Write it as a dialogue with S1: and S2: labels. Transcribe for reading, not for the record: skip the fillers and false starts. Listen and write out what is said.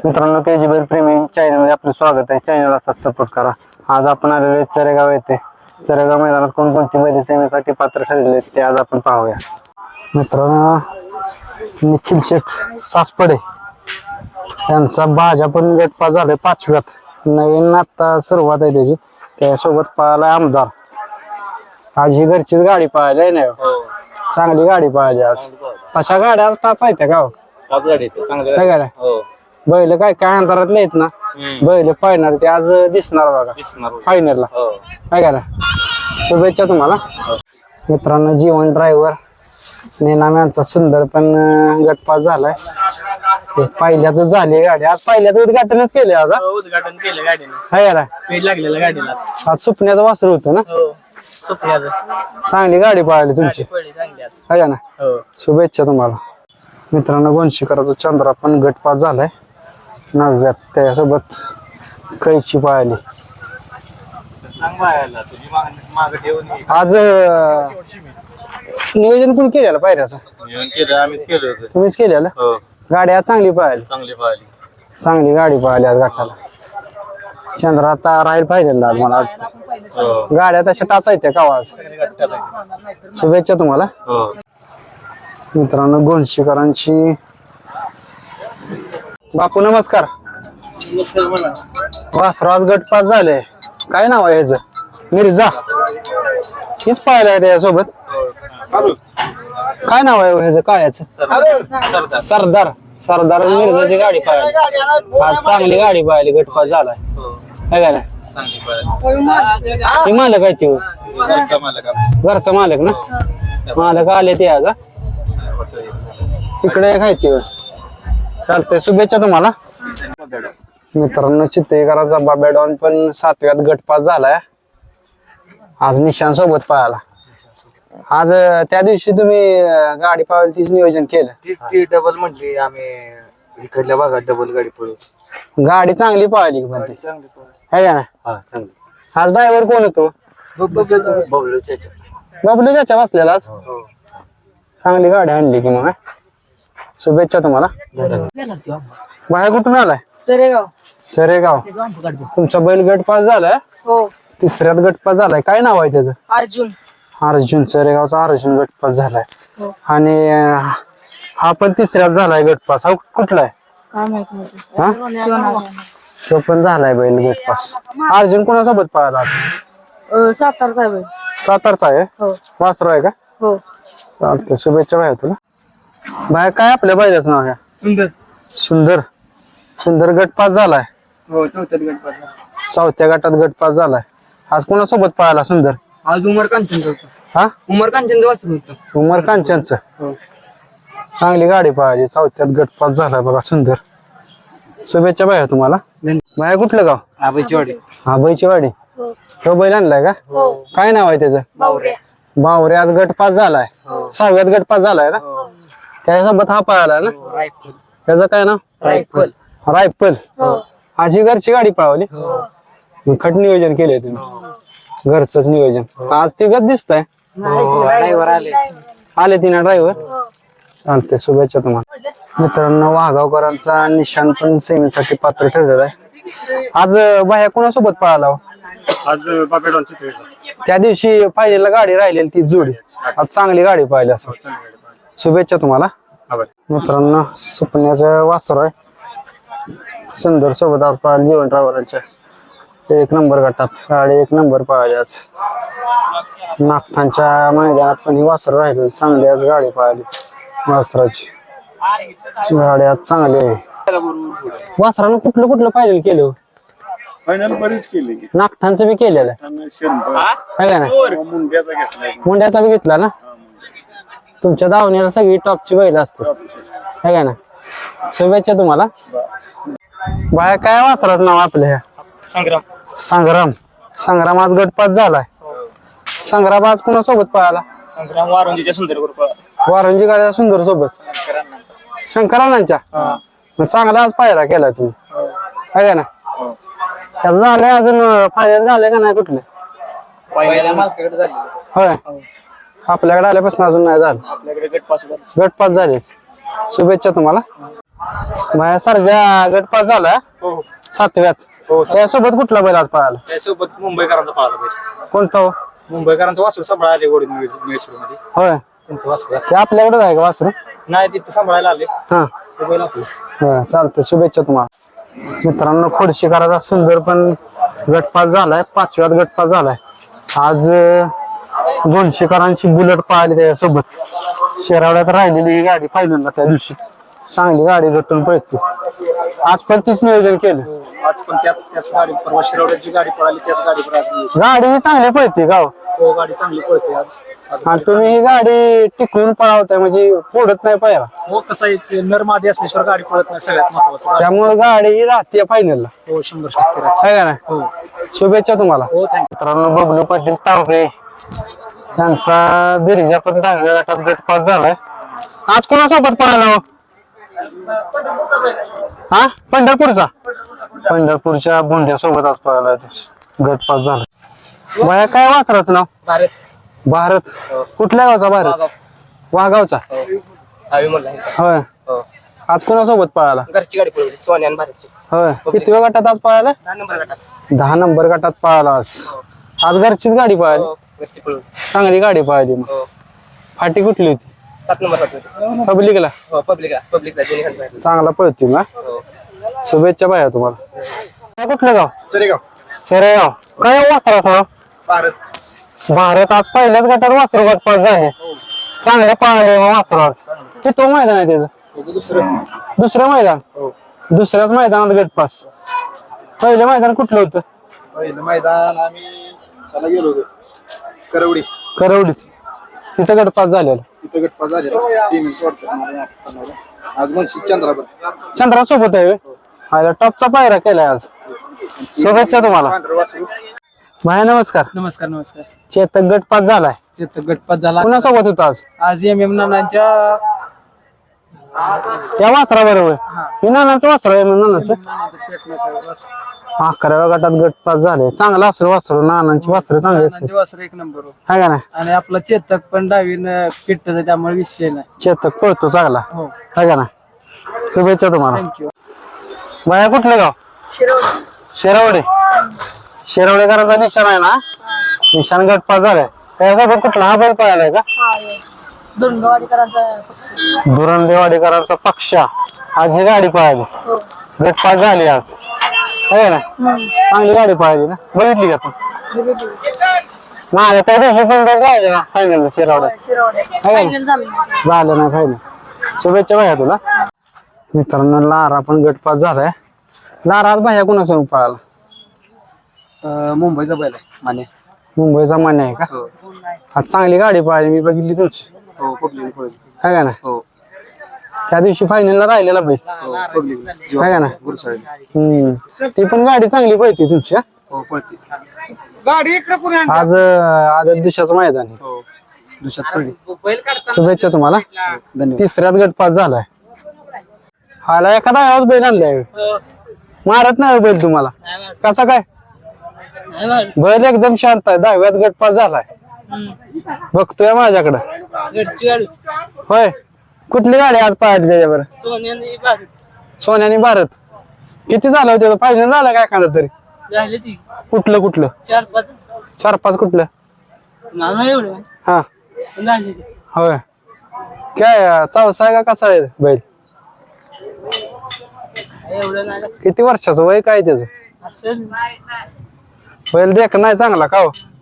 S1: मित्रांनो केजीबेल प्रेमी चॅनलमध्ये आपलं स्वागत आहे. चॅनलला सपोर्ट करा. आज आपण आलेले चरेगाव येथे. चरेगाव मैदानात कोणकोणती बैल सेवेसाठी पात्र ठरलेले ते आज आपण पाहूया. मित्रांनो निखिल शेठ सासपडे यांचा भाजा पण गटपा झालाय 5व्यात. नवीन आता सुरुवात आहे त्याची. त्यासोबत पाहायला आमदार. आज ही घरचीच गाडी पाहायला आहे ना. चांगली गाडी पाहिजे आज. तशा गाड्या आज टाच आहेत का?
S2: पाच गाडी चांगल्या
S1: बैल काय काय अंतरात नाहीत ना. बैल पाहणार ते आज दिसणार बघा फायनलला. काय करा शुभेच्छा तुम्हाला. मित्रांनो जीवन ड्रायव्हर नेनाम यांचा सुंदर पण गटपास झालाय. पहिल्याच झाली गाडी. आज पहिल्याच उद्घाटनच केले. आज
S2: उद्घाटन केलं गाडीने.
S1: काय करा
S2: स्पीड लागलेलं गाडीला.
S1: आज सुपण्याचं वासरू होतं ना. चांगली गाडी पाहिली तुमची. काय ना शुभेच्छा तुम्हाला. मित्रांनो गोंशीकराचा चंद्रा पण गटपास झालाय 9व्यात. त्यासोबत कैची पाहिली. आज नियोजन कोण केलेलं पायऱ्याचं? तुम्हीच केलेलं. गाडी आज चांगली पाहिली. चांगली गाडी पाहिली आज गटाला. चंद्रा आता राहील पाहिजे मला वाटतं. गाड्या तशा टाचायत्या का आज. शुभेच्छा तुम्हाला. मित्रांनो गोंशीकरांची बापू नमस्कार. वासराज गटपास झाले. काय नाव आहे ह्याचं? मिर्झा. हीच पाहिलं त्याच्यासोबत. काय नाव आहे ह्याचं काळ्याचं? सरदार. सरदार मिर्झाची गाडी पाहिली. आज चांगली गाडी पाहिली. गटपास झालाय. काय काय नाही मालक आहे ते. घरचा मालक ना. मालक आले ते आज. तिकडे काय ते चालतंय. शुभेच्छा तुम्हाला. मित्रांनो चित्तेकराचा बाबेडॉन पण 7व्यात गटपास झालाय. आज निशान सोबत पाहायला. आज त्या दिवशी तुम्ही गाडी पाहायला तीच नियोजन केलं.
S2: ती डबल म्हणजे आम्ही इकडल्या भागात डबल गाडी पळू.
S1: गाडी चांगली पाहिली पण ती आहे का ना. आज ड्रायव्हर कोण होतो? बबलू चाचा बसलेला आज. चांगली गाडी आणली की मग. शुभेच्छा तुम्हाला. बाहेर कुठून आलाय?
S3: चरेगाव.
S1: चरेगाव. तुमचा बैल गटपास झालाय.
S3: हो
S1: 3ऱ्यात गटपास झालाय. काय नाव आहे त्याचं?
S3: अर्जुन.
S1: अर्जुन. चरेगावचा अर्जुन गटपास झालाय. आणि हा पण 3ऱ्यात झालाय गटपास. हा कुठला आहे?
S3: काय माहित नाही.
S1: तो पण झालाय बैल गटपास. अर्जुन कोणासोबत पाहिला?
S3: सातारचा आहे.
S1: सातारचा आहे.
S3: हो
S1: वासरू आहे का?
S3: हो.
S1: चालतंय. शुभेच्छा भाई तुला. बाय काय आपल्या बैलाचं नाव आहे?
S2: सुंदर.
S1: सुंदर. सुंदर गटपास झालाय.
S2: हो 4थ्यात गटपास.
S1: 4थ्या गटात गटपास झालाय. आज कोणासोबत पाहिला सुंदर?
S2: आज उमर कांचन.
S1: हा
S2: उमर कांचन वाचलं होतं.
S1: उमर कांचनचं. चांगली गाडी पाहिजे. 4थ्यात गटपास झालाय बघा सुंदर. शुभेच्छा बाया तुम्हाला. बाया कुठलं गाव?
S2: आबाईची वाडी.
S1: आबाईची वाडी. तो बैल आणलाय का? काय नाव आहे त्याचं? बावरे. आज गटपास झालाय. 6व्यात गटपास झालाय ना. त्याच्यासोबत हा पळाला ना. त्याचं काय नाव? रायफल. आज ही घरची गाडी पळवली. खट नियोजन केलंय तुम्ही. घरचंच नियोजन. आज तिघच दिसतंय. आले तिना ड्रायव्हर. चालते. शुभेच्छा तुम्हाला. मित्रांनो वाघावकरांचा निशान पण सेमीसाठी पात्र ठरलेला आहे. आज बाह्या कोणासोबत पळाला?
S2: आज बाबेडॉन.
S1: त्या दिवशी फायनलला गाडी राहिलेली ती जोडी. आज चांगली गाडी पाहिली असं. शुभेच्छा तुम्हाला. मित्रांनो सुपण्याचं वासर आहे. सुंदर सोबत आज पाहिलं जीवन ड्रायव्हरांच्या 1 नंबर गटात गाडी 1 नंबर पाहिली आज. नागठाणच्या मैदानात पण ही वासर राहिली. चांगली आज गाडी पाहिली वासराची. गाडी आज चांगली आहे. वासरानं कुठलं कुठलं फायनल केलं?
S2: फायनल बरीच केली.
S1: नागठाणचं बी केलेलं आहे का नाही. मुंड्याचा बी घेतला ना. तुमच्या दावणीला सगळी टॉपची बैल असतात है का ना. शुभेच्छा तुम्हाला. बाया काय वासराचं नाव आपल्या?
S2: संग्राम.
S1: संग्राम. संग्राम आज गटपास झालाय. संग्राम आज कोणासोबत पळाला?
S2: संग्राम वारंजीच्या सुंदर ग्रुप.
S1: वारंजी गाड्या सुंदर सोबत. शंकरांच्या. चांगला आज पायरा केला तुम्ही है का ना. त्याचं झालंय अजून फायनल झालंय का नाही कुठले? होय आपल्याकडे आल्यापासून अजून नाही झालं.
S2: आपल्याकडे गटपास
S1: झाले. शुभेच्छा तुम्हाला. माझ्या सरजा गटपास झाला
S2: हो
S1: 7व्यात.
S2: हो
S1: त्यासोबत कुठला बैल आज पळाला?
S2: त्यासोबत मुंबईकरांचा पळाला पाहिजे.
S1: कोणता हो?
S2: मुंबईकरांचं वासरू सांभाळा आले गोडी मध्ये
S1: होय,
S2: त्यांचं वासरू
S1: ते आपल्याकडेच आहे का वासरू?
S2: नाही तिथं सांभाळायला आले
S1: हा
S2: ते बैल आपलं.
S1: होय, चालतंय. शुभेच्छा तुम्हाला. मित्रांनो, खोडशीकराचा सुंदर पण गटपास झालाय, 5व्यात गटपास झालाय. आज दोनशेकरांची बुलेट पळाली त्याच्यासोबत. शेरावड्यात राहिलेली ही गाडी पाहिली ना त्या दिवशी, चांगली गाडी गटून पळते. आज पण तीच नियोजन केलं.
S2: आज पण त्याच गाडी परवा शिरवड्याची गाडी पळाली त्याच गाडीवर आज मी.
S1: गाडी ही चांगली पळते गाव,
S2: हो गाडी चांगली पळते आज.
S1: आणि तुम्ही ही गाडी टिकवून पळवताय म्हणजे फोडत नाही पाहिला,
S2: हो कसं आहे ते नर मादी असल्याशिवाय गाडी पळत नाही सगळ्यात महत्वाचं.
S1: त्यामुळे गाडी ही राहते फायनलला.
S2: हो 100% राहते.
S1: आहे का नाही?
S2: हो
S1: शुभेच्छा तुम्हाला.
S2: हो थँक्यू.
S1: मित्रांनो, बबलू पाटील तावरे त्यांचा बिरजा पण 10व्या गटात गटपास झालाय. आज कोणासोबत पळाला हो? हा, पंढरपूरच्या भोंड्यासोबत आज पळाला, गटपास झाला. बाया काय वासराचं नाव?
S2: भारत
S1: भारत. कुठल्या गावचा भारत? वाघावचा.
S2: हवी म्हणला
S1: होय,
S2: हो
S1: आज कोणासोबत पळाला?
S2: घरची गाडी पळवली सोन्या आणि भारतची.
S1: होय, कितव्या गटात आज पळाला?
S2: 10 नंबर गटात.
S1: 10 नंबर गटात पळाला आज. आज घरचीच गाडी पळाली,
S2: हो घरची पळवली.
S1: चांगली गाडी पळाली. मग
S2: हो
S1: फाटी कुठली होती?
S2: 7 नंबर गटात.
S1: पब्लिकला
S2: हो पब्लिकचा दोन्ही खाली.
S1: चांगला पळतोय ना.
S2: हो
S1: शुभेच्छा बाया तुम्हाला. कुठलं गाव?
S2: सरेगाव
S1: शेरेगाव. काय वासराचं?
S2: भारत.
S1: भारत आज पहिल्याच गटात वासरू गटपास झाले, चांगले पळाले वासरावर. ते तो मैदान आहे त्याचं? दुसरं मैदान. दुसऱ्याच मैदानात गटपास. पहिलं मैदान कुठलं होतं?
S2: पहिलं मैदान आम्ही त्याला गेलो होतो करवडी.
S1: करवडीत. तिथं गटपास झालेला.
S2: तिथं गटपास झालेला 3 मिनिट वाटतं. आज मुंशी चंद्रावर
S1: चंद्रा सोबत आहे. टॉपचा पायरा केलाय आज. शुभेच्छा तुम्हाला. भाया नमस्कार.
S3: नमस्कार नमस्कार.
S1: चेतक गटपास झालाय.
S3: चेतक गटपात झाला.
S1: कुणासोबत होता आज?
S3: आज MM नानांच्या
S1: या वासरा बरोबर. हे नानाचं वासर आहे नानाचं. 11व्या गटात गटपास झाले. चांगला असेल वासरू, नानांची वासरं चांगली असते.
S3: वासर 1 नंबर
S1: आहे का नाही?
S3: आणि आपला चेतक पण डावीनं पिट्टच त्यामुळे विषय नाही.
S1: चेतक पळतो चांगला.
S3: हो
S1: आहे का नाही? शुभेच्छा तुम्हाला.
S3: थँक्यू.
S1: बाया कुठलं गाव? शेरावडे. शेरावडेकरांचा निशाण आहे ना, निशाण गटपास झालाय. त्याच्यासोबत कुठला हा बैल पळालाय का? दुरंदेवाडीकरांचा पक्षा. आज ही गाडी पळाली, गटपास झाली आज. आहे ना, चांगली गाडी पळाली ना. बघितली का तू? माझ्या त्या दिवशी पण राहिले ना फायनल शेरावड्यात. झालं ना फायनल. शुभेच्छा भाया तुला. मित्रांनो, लारा पण गटपास झालाय. लारा आज भाया कुणासोबत पळाला?
S2: मुंबईचा बैल आहे माने.
S1: मुंबईचा मान्य आहे का? आज चांगली गाडी पळाली, मी बघितली तुमची.
S2: हो पब्लिक पळवली.
S1: आहे का ना?
S2: हो
S1: त्या दिवशी फायनलला राहिलेला बैल.
S2: पब्लिक
S1: आहे का ना?
S2: गुरुसाळी.
S1: ती पण गाडी चांगली पळते तुमची. हा?
S2: हो पळते गाडी इकडे कोणी आणली?
S1: आज आदत दिवसाचं मैदान आहे.
S2: हो दुसऱ्यात पडली.
S1: शुभेच्छा तुम्हाला.
S2: धन्यवाद.
S1: तिसऱ्यात गटपास झालाय. हाला एखादा आवाज बैल आणलाय. मारत नाही बैल तुम्हाला? कसा काय? बैल एकदम शांत आहे. 10व्यात गटपास झालाय. बघतोय माझ्याकडं. होय, कुठली गाडी आज पाहिली त्याच्यावर? सोन्यानी भारत. किती झालं होतं फायनल झालं का एखादा तरी? कुठलं 4-5 कुठलं? हा होय. काय चौसा आहे का कसा आहे बैल? किती वर्षाचं वय काय त्याचं? बैल देख नाही चांगला का हो?